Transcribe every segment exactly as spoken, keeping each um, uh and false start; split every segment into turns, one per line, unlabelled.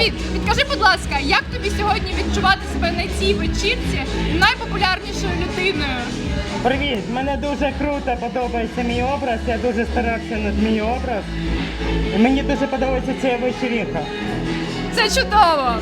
Привіт! Підкажи, будь ласка, як тобі сьогодні відчувати себе на цій вечірці найпопулярнішою людиною?
Привіт! Мене дуже круто подобається мій образ, я дуже старався над мій образ. І мені дуже подобається ця вечірка.
Це чудово!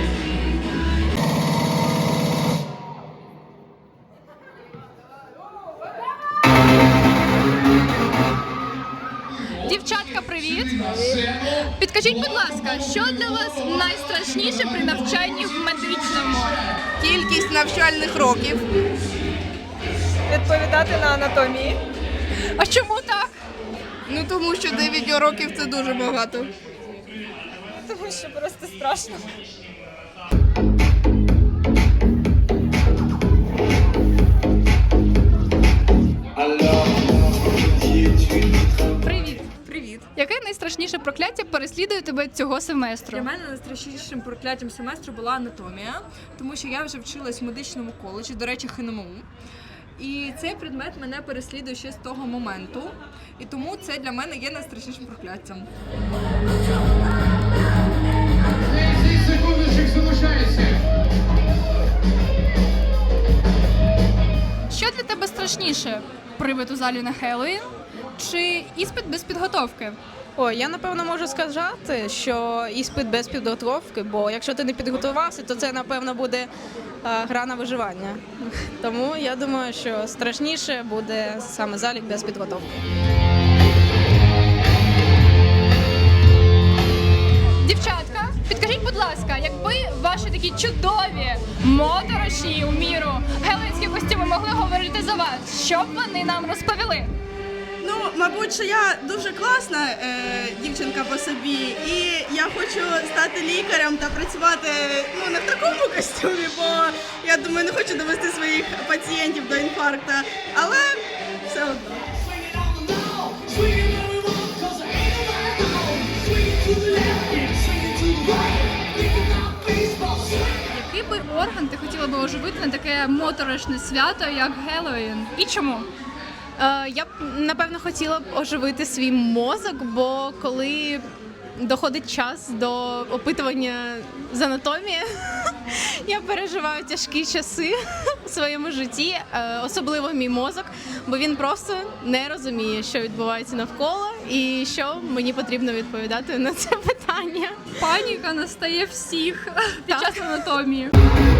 Дівчатка, привіт! Підкажіть, будь ласка, що для вас найстрашніше при навчанні в медичному?
Кількість навчальних років.
Відповідати на анатомії.
А чому так?
Ну тому що дев'ять років це дуже багато.
Тому що просто страшно.
Привіт!
Привіт.
Яке найстрашніше прокляття переслідує тебе цього семестру?
Для мене найстрашнішим прокляттям семестру була анатомія, тому що я вже вчилась в медичному коледжі, до речі, ХНМУ. І цей предмет мене переслідує ще з того моменту, і тому це для мене є найстрашнішим прокляттям.
десять секундочок залишається.
Що для тебе страшніше? Привид у залі на Хеллоуін чи іспит без підготовки?
О, я напевно можу сказати, що іспит без підготовки, бо якщо ти не підготувався, то це напевно буде е, гра на виживання. Тому я думаю, що страшніше буде саме залік без підготовки.
Дівчатка, підкажіть, будь ласка, якби ваші такі чудові, моторошні у міру геловінські костюми могли говорити за вас, що б вони нам розповіли?
Ну, мабуть, що я дуже класна е, дівчинка по собі, і я хочу стати лікарем та працювати ну, не в такому костюмі, бо я думаю, не хочу довести своїх пацієнтів до інфаркту, але все одно.
Який би орган ти хотіла би оживити на таке моторошне свято, як Геловін? І чому?
Е, я б напевно хотіла б оживити свій мозок, бо коли доходить час до опитування з анатомії, я переживаю тяжкі часи в своєму житті, е, особливо мій мозок, бо він просто не розуміє, що відбувається навколо і що мені потрібно відповідати на це питання.
Паніка настає всіх під час анатомії.